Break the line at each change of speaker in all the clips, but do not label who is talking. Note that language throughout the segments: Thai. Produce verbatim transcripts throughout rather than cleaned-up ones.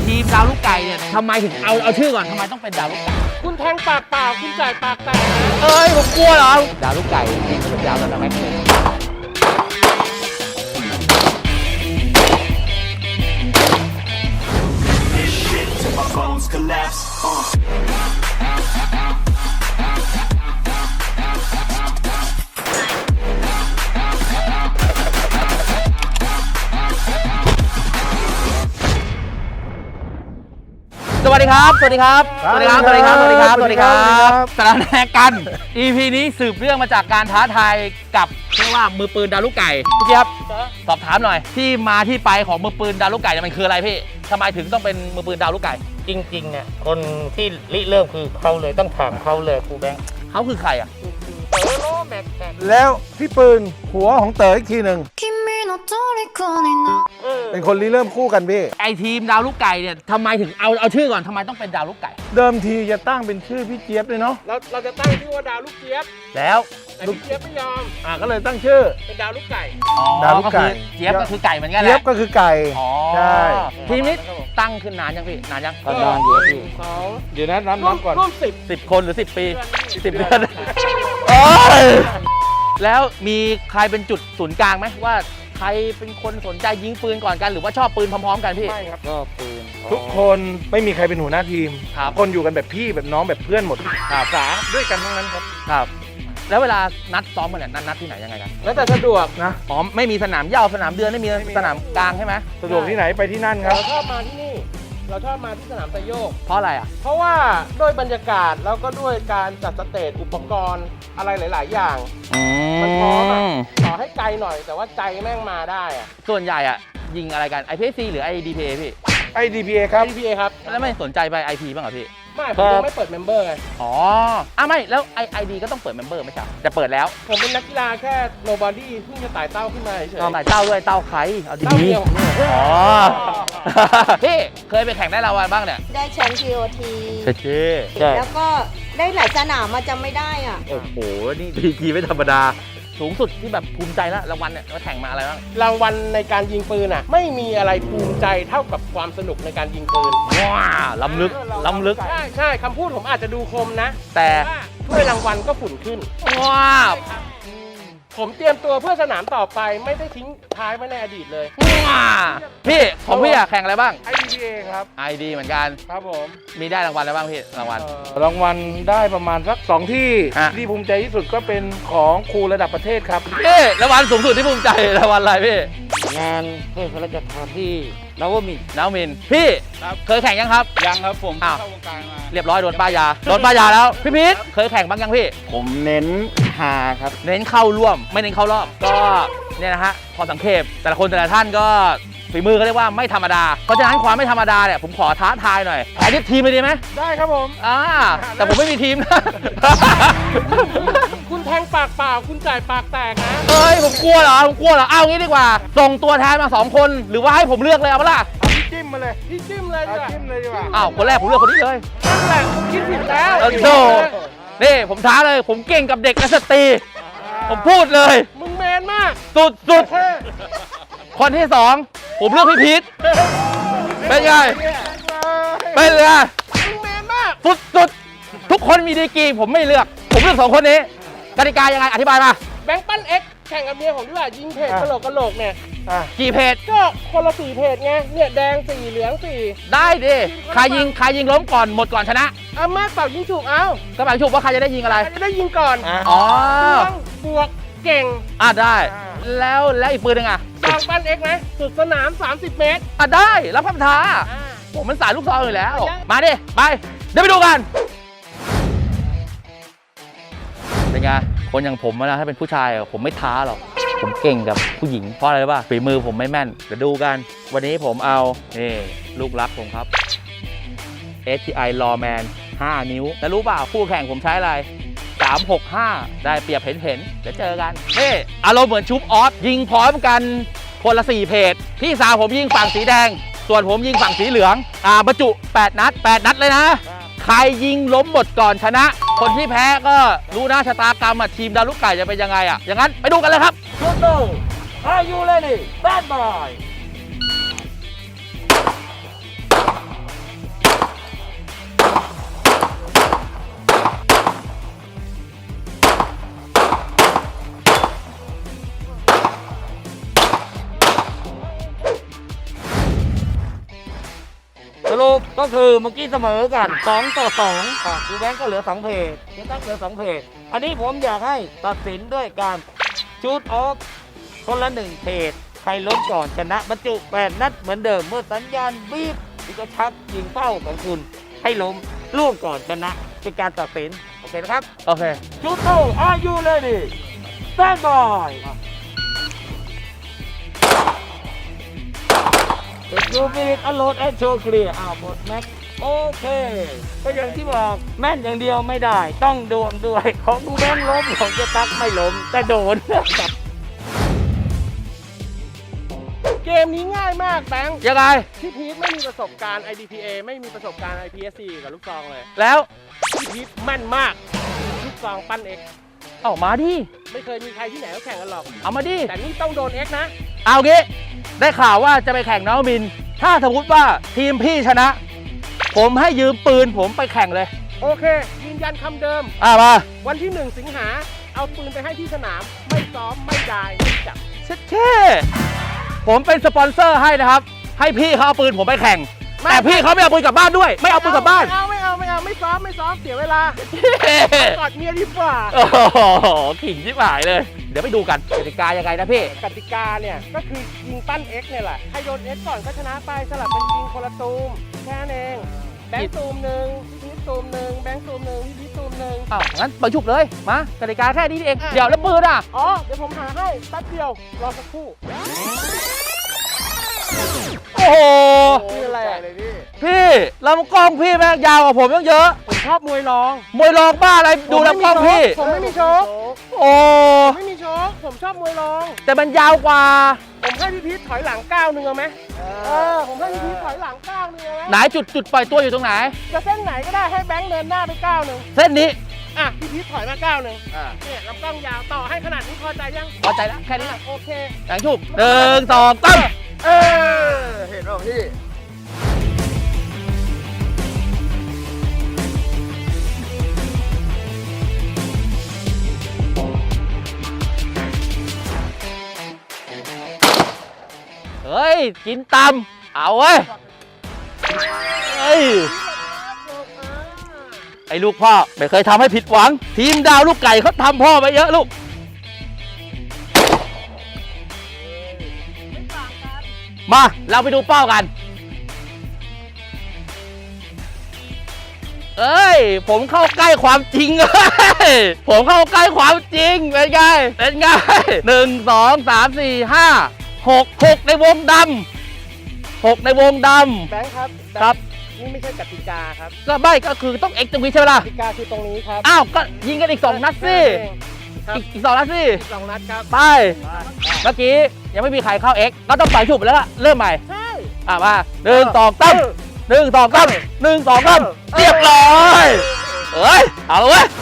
ทีมดาวลูกไก่เนี่ยทำไมถึงเอาเอาชื่อก่อนทำไมต้องเป็นดาวลูกไก่
คุณแทงปากเปล่าคุณจ่ายปากแตกนะ
เอ้ยผมกลัวเหรอดาวลูกไก่จริงๆก็เป็นดาวแต่แม็กซ์เลยสวัสดีครับ สวัสดีครับ สวัสดีครับ สวัสดีครับ สวัสดีครับ สวัสดีครับสารแนกัน อี พี นี้สืบเรื่องมาจากการท้าทายกับเรียกว่ามือปืนดาวลูกไก่พี่เจี๊ยบสอบถามหน่อยที่มาที่ไปของมือปืนดาวลูกไก่มันคืออะไรพี่ทำไมถึงต้องเป็นมือปืนดาวลูกไก่
จริงๆเนี่ยคนที่ริเริ่มคือเขาเลยต้องถามเขาเลยครูแบงค์
เขาคือใครอ่ะ
เต๋อโลแม็กแม็ก
แล้วพี่ปืนหัวของเต๋ออีกทีหนึ่งเป็นคนริเริ่มคู่กันพี่
ไอทีมดาวลูกไก่เนี่ยทำไมถึงเอาเอาชื่อก่อนทำไมต้องเป็นดาวลูกไก่
เดิมทีจะตั้งเป็นชื่อพี่เจี๊ยบเลยเนาะ
เราเราจะตั้งชื่อว่าดาวลูกเจี๊ยบ
แล้ว
แต่พี่เจี๊ยบไม่ยอม
อ่าก็เลยตั้งชื่อ
เป็นดาวลูกไก่
ดาวลูกไก่เจี๊ยบก็คือไก่เหมือนกันแหละ
เจี๊ยบก็คือไก่ใช่
ทีมนี้ตั้งขึ้นนานยังพี่นานยัง
นานอยู่พี่
สอง
เดี๋ยวนะนับนับก่อน
ร่วมสิบ
สิบคนหรือสิบปีสิบเดือนแล้วมีใครเป็นจุดศูนย์กลางไหมว่าใครเป็นคนสนใจยิงปืนก่อนกันหรือว่าชอบปืนพร้อมๆกันพี่
ไม่ครับชอบปืนทุกคนไม่มีใครเป็นหัวหน้าทีมคนอยู่กันแบบพี่แบบน้องแบบเพื่อนหมด
ครับ
สาด้วยกันทั้งนั้นครับ
ครับแล้วเวลานัดซ้อมกันเนี่ยนัดนัดที่ไหนยังไงกัน
แล้วแต่สะดวก
นะ
อ๋อไม่มีสนามเหย้าสนามเดือนไม่มีสนามกลางใช่ไหม
สะดวกที่ไหนไปที่นั่นครับ
เราชอบมาที่นี่เราชอบมาที่สนามไซโยก
เพราะอะไรอ่ะ
เพราะว่าด้วยบรรยากาศแล้วก็ด้วยการจัดสเตจอุปกรณ์อะไรหลายๆอย่างมันพร้อมอ่ะต่อให้ไกลหน่อยแต่ว่าใจแม่งมาได้อ่ะ
ส่วนใหญ่อ่ะยิงอะไรกัน ไอ พี เอส ซี หรือ ไอ ดี พี เอ พี่
ไอ ดี พี เอ ครับ
ไอ ดี พี เอ ครับ
แล้วไม่สนใจไป ไอ พี บ้างเหรอพี่
ไม่ผมยังไม่เปิดเมมเบอร์ไง
อ๋ออ่ะไม่แล้วไอ ไอ ดี ก็ต้องเปิดเมมเบอร์ไม่ใช่จะเปิดแล้ว
ผมเป็นนักกีฬาแค่โนบอดี้เพิ่งจะไต่เต้าขึ้นมาเฉย
ๆไต่เต้าด้วยเต้าใครเอาดีๆอ๋อพี่เคยไปแข่งได้รางวัลบ้างเนี่ย
ได้แชมป์ ที โอ ที
ใช่ใช่
แล้วก็ได้หลายสนามมาจำไม่ได้อ่ะ
โอ้โหนี่ดีกีไม่ธรรมดาสูงสุดที่แบบภูมิใจแล้วรางวัลเนี่ยเราแข่งมาอะไรบ้าง
รางวัลในการยิงปืนอ่ะไม่มีอะไรภูมิใจเท่ากับความสนุกในการยิงปืน
ว้าล้ำลึกล้ำลึก
ใช่ใช่คำพูดผมอาจจะดูคมนะ
แต่
ถ้วยรางวัลก็ฝุ่นขึ้น
ว้า
ผมเตรียมตัวเพื่อสนามต่อไปไม่ได้ทิ้งท้ายไว้ในอดีตเลย
ว้าพี่ของพี่อะแข่งอะไรบ้าง
ไอ ดี พี เอ ครับ
ไอ ดี เหมือนกัน
ครับผม
มีได้รางวัลอะไรบ้างพี่รางวัล
รางวัลได้ประมาณสักสองที่ที่ภูมิใจที่สุดก็เป็นของครูระดับประเทศครับ
พี่รางวัลสูงสุดที่ภูมิใจรางวัลอะไรพี่
งานเพื่อพระราชทานที่นวมินทร์
นวมินทร์พี่เคยแข่งยังครับ
ยังครับผม
เข้าวงการมาเรียบร้อยโดนป้ายาโดนป้ายาแล้วพี่พีทเคยแข่งบ้างยังพี่
ผมเน้นหาครับ
เน้นเข้าร่วมไม่เน้นเข้ารอบก็เนี่ยนะฮะพอสังเกตแต่ละคนแต่ละท่านก็ฝีมือเขาเรียกว่าไม่ธรรมดาเพราะฉะนั้นความไม่ธรรมดาเนี่ยผมขอท้าทายหน่อยแข่งทีมเลยดีไหม
ได้ครับผม
อ่าแต่ผมไม่มีทีมนะ
คุณแทงปากเปล่าคุณจ่ายปากแตกนะ
เฮ้ยผมกลัวเหรอผมกลัวเหรอเอางี้ดีกว่าส่งตัวแทนมาสองคนหรือว่าให้ผมเลือกเลยเอาปะล่ะ
พี่จิ้มมาเลย
พี่จิ้มเลยดีกว่า
จิ้มเลยดีกว่า
อ้าวคนแรกผมเลือกคนนี้เลย
นั่นแหละคุณคิดผิดแล้ว
โธ่นี่ผมท้าเลยผมเก่งกับเด็กและสตรีผมพูดเลย
มึงแมนมาก
สุดสุดคนที่สองผมเลือกพี่พีทเป็นไงเป็นไง
มึงแมนมาก
สุดสุดทุกคนมีดีกรีผมไม่เลือกผมเลือกสองคนนี้กติกายังไงอธิบายมา
แบงค์ปั้นเอ็กแข่งกับเมียผมด้วยยิงเพจกระโหลกกระโหลกเนี่ย
กี่เพจ
ก็คนละสี่เพจไงเนี่ยแดงสี่เหลืองสี่
ได้ดิใครยิงใครยิงล้มก่อนหมดก่อนชนะ
อ่ะมาเป่ายิงฉุกเอา
ก็เป่าฉุกว่าใครจะได้ยิงอะไร
ใครจะได้ยิงก่อน
อ๋อ
บวกเก่ง
อ่ะได้แล้วแล้วอีกปืนนึงอ่ะ
แบงค์ปั้นเอ็กไหมสุดสนามสามสิบเมตร
อ่ะได้รับคำท้าผมมันสายลูกซองอยู่แล้วมาดิไปเดี๋ยวไปดูกันเป็นไงคนอย่างผมนะถ้าเป็นผู้ชายผมไม่ท้าหรอกผมเก่งกับผู้หญิงเพราะอะไรรู้ป่ะฝีมือผมไม่แม่นเดี๋ยวดูกันวันนี้ผมเอานี่ลูกรักผมครับ เอส ที ไอ Lawman ห้านิ้วแล้วรู้เปล่าคู่แข่งผมใช้อะไรสามหกห้าได้เปรียบเห็นเห็นเดี๋ยวเจอกันนี่อารมณ์เหมือนชุบออสยิงพร้อมกันคนละสี่เพจพี่สาวผมยิงฝั่งสีแดงส่วนผมยิงฝั่งสีเหลืองอ่าบรรจุแปดนัดแปดนัดเลยนะใครยิงล้มหมดก่อนชนะคนที่แพ้ก็รู้นะชะตากรรมทีมดาวลูกไก่จะเป็นยังไงอ่ะอย่างนั้นไปดูกันเลยครับ
Good go Are you ready Bad boy รุปก็คือเมื่อกี้เสมอกันสองต่อสองอ่ะคือแบงก์ก็เหลือสองเพจเจ๊ตั๊กเหลือสองเพจอันนี้ผมอยากให้ตัดสินด้วยการชูตออฟคนละหนึ่งเพจใครล้มก่อนชนะบรรจุแปดนัดเหมือนเดิมเมื่อสัญญาณบีบที่จะชักยิงเป้าของคุณให้ล้มล่วงก่อนชนะเป็นการตัดสินโอเคนะครับ
โอเค
ชูโต are you ready stand by เด็กยูบิกอโหลดแอนโชว์เคลียร์อ้าวหมดแม็กโอเคก็อย่างที่บอกแม่นอย่างเดียวไม่ได้ต้องดวงด้วยของดูแบงล้มของเจะตักไม่ล้มแต่โดน
เกมนี้ง่ายมากแบงค์
ยังไง
พี่พีทไม่มีประสบการณ์ ไอ ดี พี เอ ไม่มีประสบการณ์ ไอ พี เอส ซี กับลูกซองเลย
แล้ว
พี่พีทแม่นมาก ลูกซองปั้น X
เอามาดิ
ไม่เคยมีใครที่ไหนเขาแข่งกันหรอก
เอามาดิ
แต่นี่ต้องโดน X นะ
เอางี้ ได้ข่าวว่าจะไปแข่งน้องมิน ถ้าสมมติว่าทีมพี่ชนะ ผมให้ยืมปืนผมไปแข่งเลย
โอเค ยืนยันคำเดิม
อ่ามา
วันที่หนึ่งสิงหาเอาปืนไปให้ที่สนาม ไม่ซ้อม ไม่ดายไม่จับ
เช็ดเช่ผมเป็นสปอนเซอร์ให้นะครับ ให้พี่เขาเอาปืนผมไปแข่ง
ไม่
แต่พี่เขาไม่เอาปืนกลับบ้านด้วย ไม่เอาปืนกลับบ้าน
ไม่เอาไม่เอาไม่เอาไม่ซ้อมไม่ซ้อมเสียเวลา กอดเมียดีกว่า
โอ้โหขิงชิบหายเลย เดี๋ยวไปดูกันกติกายังไงนะพี่
กติกาเนี่ยก็คือยิงปั้น X เนี่ยแหละใครโดน X ก่อนก็ชนะไปสลับเป็นยิงคนละตูมแค่นั้นเองแบงค์ตูมหนึ่งพี่พีทตูมหนึ่งแบงค์ตูมหนึ่งพี่พีทตูมหนึ่ง
อ้าวงั้นไปฉุบเลย มากติกาแค่นี้เอง
อ่ะ
เดี๋ยวแล้วปืนอ่ะ
อ๋อเดี๋ยวผมหาให้แป๊บเดียวรอสักครู่
โอ้โห
นี่อะไรอ่ะ
พี่ลำกล้องพี่แม่งยาวกว่าผมตั้งเยอะ
ผมชอบมวยรอง
มวยรองบ้าอะไรดูลำกล้องพี่
ผมไม่มีโชค
โอ้
ผมไม่มีโชคผมชอบมวยรอง
แต่มันยาวกว่า
ผมให้พี่พีทถอยหลังก้าวหนึ่งเอาไหมเออผมให้พี่พีทถอยหลังก้าวหนึ่งเอาไหม
ไหนจุดจุดปล่อยตัวอยู่ตรงไหน
จะเส้นไหนก็ได้ให้แบงค์เดินหน้าไปก้าวหนึ่ง
เส้นนี้
อ่ะพี่พีทถอยมาก้าวหนึ่งเนี่ยลำกล้องยาวต่อให้ขนาดนี้พอใจยัง
พอใจแล้วแค่นี้
อ่ะโอเค
หลังฉุบหนึ่งสองสาม
เออเห็นป่ะพี่
เฮ้ย กินตำเอาเว้ยเฮ้ย ไอ้ลูกพ่อไม่เคยทำให้ผิดหวัง ทีมดาวลูกไก่เขาทำพ่อไปเยอะลูก มา เราไปดูเป้ากัน เอ้ย ผมเข้าใกล้ความจริงเลย ผมเข้าใกล้ความจริง เป็นไง เป็นไงหนึ่งสองสามสี่ห้าหกหกในวงดำหกในวงด
แบงค์ครับ
ำครับ
นี่ไม่ใช่กติกาครับ
ก็ไม่ก็คือต้องเอ็กซ์ตรงนี้ใช่ไหมล่ะ
กติกาคือตรงนี้ครับ
อ้าว ก็ยิงกันอีกสองนัดสิ
ครับ
อีกอีกสองนัดสิ
สองนัดครับ
ไป เมื่อกี้ยังไม่มีใครเข้า X ก็ต้องไปฉุบแล้วล่ะ เริ่มใหม่
ใช่
อ่ะมาหนึ่งสองตั้มหนึ่งสองตั้มหนึ่งสองตั้มเรียบร้อยเอ้ย เอาเลยเว้ย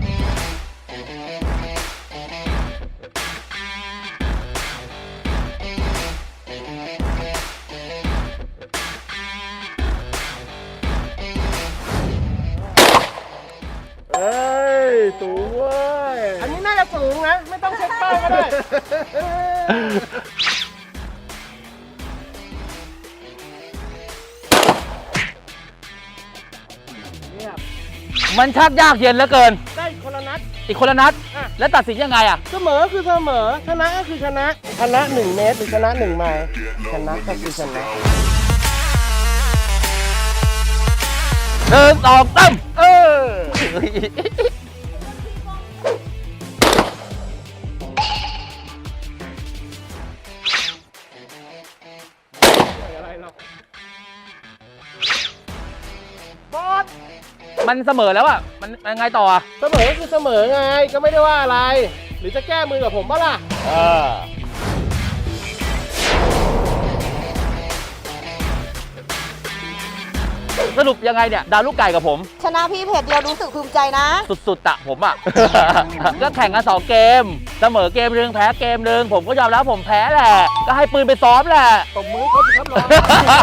เอ้ยสูงเว้ย
อันนี้น่าจะสูงนะ ไม่ต้องเช็คเป้าก็ได้
มันชักยากเย็นเหลือเกิน
ได้คนละนัด
อีกคนละนัด
อ่ะ
แล้วตัดสินยังไงอ่ะ
เสมอคือเสมอ ชนะก็คือชนะ ชนะหนึ่งเมตรหรือชนะหนึ่งไมล์ชนะก็คือชนะ
หนึ่งสองตั้ม
เออ อะไรหรอกบอส
มันเสมอแล้วอ่ะ มันมันไงต่ออ่ะ
เสมอคือเสมอไง ก็ไม่ได้ว่าอะไร หรือจะแก้มือกับผมปะล่ะ
เออ สรุปยังไงเนี่ย ดาวลูกไก่กับผม
ชนะพี่เพจเดียวรู้สึกภูมิใจนะ
สุดๆอะผมอะ ก็แข่งกันสองเกม เสมอเกมหนึ่งแพ้เกมหนึ่งผมก็ยอมรับผมแพ้แหละ ก็ให้ปืนไปซ้อมแหละ
ตบมือเขาสิครับน้อง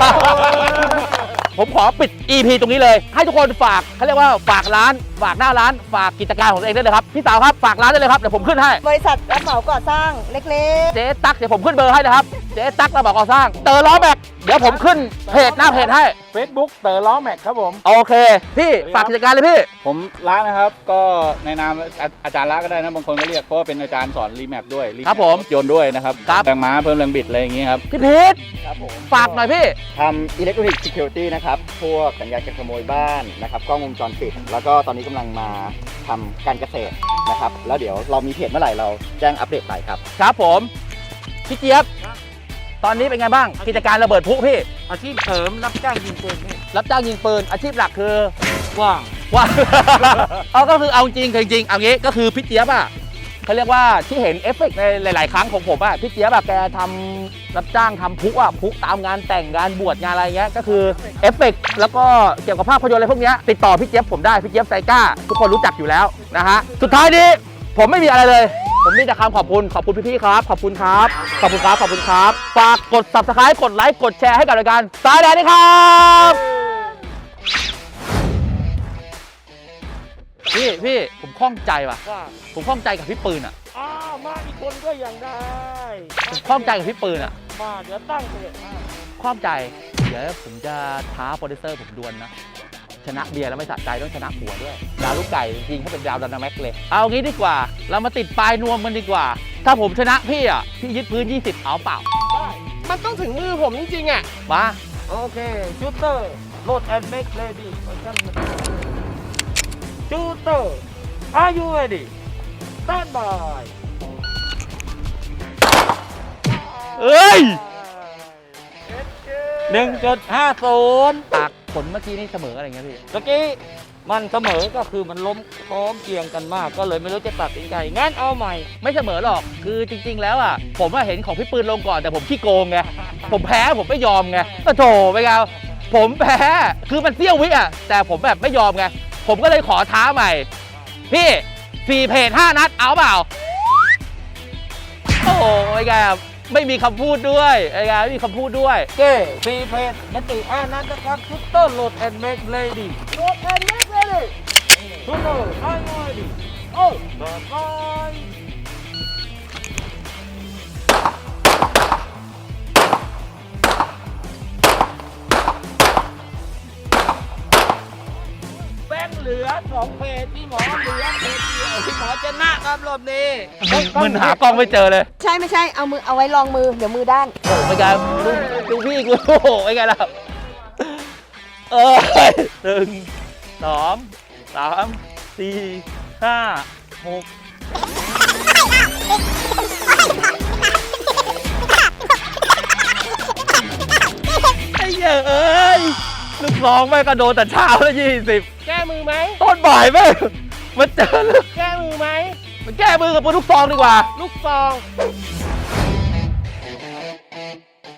ผมขอปิด อี พี ตรงนี้เลย ให้ทุกคนฝากเขาเรียกว่าฝากร้าน ฝากหน้าร้าน ฝากกิจการของตัวเองได้เลยครับ พี่สาวครับ ฝากร้านได้เลยครับ เดี๋ยวผมขึ้นให้
บริษัทรับเหมาก่อสร้างเล็ก
เจ๊ตั๊กเดี๋ยวผมขึ้นเบอร์ให้นะครับ เจ๊ตั๊กระบอกก่อสร้าง เตอร์ล้อแบกเดี๋ยวผมขึ้นเพจหน้าเพจให้
Facebook เต๋อล้อแม็กครับผม
โอเค พี่ฝากกิจการเลยพี่
ผมละนะครับก็ในนามอาอาจารย์ละก็ได้นะบางคนก็เรียกเพราะว่าเป็นอาจารย์สอนรีแมปด้วย remap
ครับผม
ถยนต์ด้วยนะครับ
ครับ
แรงม้าเพิ่มแรงบิดอะไรอย่างงี้ครับ
พี่พีท
ครับผม
ฝากหน่อยพี่
ทำ Electronic Security นะครับ พวกสัญญาณการขโมยบ้านนะครับ กล้องวงจรปิด แล้วก็ตอนนี้กำลังมาทำการเกษตรนะครับ แล้วเดี๋ยวเรามีเพจเมื่อไหร่เราแจ้งอัปเดตไปครับ
ครับผม พี่เจี๊ยบ ตอนนี้เป็นไงบ้าง กิจการระเบิดพลุพี่
อาชีพเสริมรับจ้างยิงปืนพี่
รับจ้างยิงปืน อาชีพหลักคือ
ว่าง
ว่า เอาก็คือเอาจริงจริงเอางี้ก็คือพี่เจี๊ยบอ่ะเขาเรียกว่าที่เห็นเอฟเฟกต์ในหลาย ๆ ครั้งของผมอ่ะพี่เจี๊ยบแบบแกทำรับจ้างทำพลุอ่ะพลุตามงานแต่งงานบวชงานอะไรเงี้ยก็คือเอฟเฟกต์แล้วก็เกี่ยวกับภาพยนตร์อะไรพวกเนี้ยติดต่อพี่เจี๊ยบผมได้พี่เจี๊ยบไซก้าทุกคนรู้จักอยู่แล้วนะฮะสุดท้ายนี้ผมไม่มีอะไรเลย ผมมีแต่คำขอบคุณขอบคุณพี่ๆครับขอบคุณครับขอบคุณครับขอบคุณครับฝากกด ซับสไครบ์ กดไลค์กดแชร์ให้กับรายการสายแดนนี่ครับพี่พี่ผมข้องใจว่ะ
ว่า
ผมข้องใจกับพี่ปืนอ่ะ
อ้าวมาอีกคนก็ยังได้
ผมข้องใจกับพี่ปืนอ่ะ
มาเดี๋ยวตั้งเพจให้
ข้องใจ เดี๋ยวผมจะท้าโปรดิวเซอร์ผมดวลนะ ชนะเบียร์แล้วไม่สะใจต้องชนะผัวด้วย ดาวลูกไก่ยิงให้เป็นดาวดันาแม็กเลย เอางี้ดีกว่า เรามาติดปลายนวมกันดีกว่า ถ้าผมชนะพี่อ่ะ พี่ยึดพื้น ยี่สิบ เอาเปล่า
มันต้องถึงมือผมจริงๆอ่ะ
มา
โอเคชูเตอร์โหลดแอนด์เมคเลดี้ชูเตอร์ are you ready stand by
เอ้ย
หนึ่งจุดห้าศูนย์
ปากผลเมื่อกี้นี่เสมออะไรเงี้ยพี่
เมื่อกี้มันเสมอก็คือมันล้มพร้อมเคียงกันมาก ก็เลยไม่รู้จะตัดสินใจงั้นเอาใหม่
ไม่เสมอหรอก คือจริง ๆ แล้วอ่ะ ผมว่าเห็นของพี่ปืนลงก่อนแต่ผมขี้โกงไง ผมแพ้ผมไม่ยอมไงก็โถไปไงผมแพ้ คือมันเสี้ยววิอ่ะ แต่ผมแบบไม่ยอมไง ผมก็เลยขอท้าใหม่ พี่สี่เพจห้านัด เอาเปล่า โอ้โหไอ้แกไม่มีคำพูดด้วยไอ้แกไม่มีคำพูดด้วย
เก้ฟีเพจมันติอานั้นนะครับชูเตอร์โหลดแอนด์เมคเลดี้โหลดแอนด์เมคเลดี้ชูเตอร์ are you ready โอ้บายบายแบงค์เหลือสองเพจพี่หมอเหลือเพจเดียวพี่หมอชนะครับรอบนี้
มึนหากล้องไม่เจอเลย
ใช่ไม่ใช่ เอามือเอาไว้ลองมือ เดี๋ยวมือด้าน
โอ้ไอ้แกดูดูพี่กูโอ้โหไอ้แกล่ะเออหนึ่งสองสามสี่ห้าหกไอ้เหี้ยเอ้ยลูกน้องแม่งกระโดดแต่เช้าแล้วยี่สิบ
แก้มือไหม
ต้นบ่ายแม่งมันเจอลูก
แก้มือไหม
มันแก้มือกับปืนลูกซองดีกว่า
ลูกซอง
เ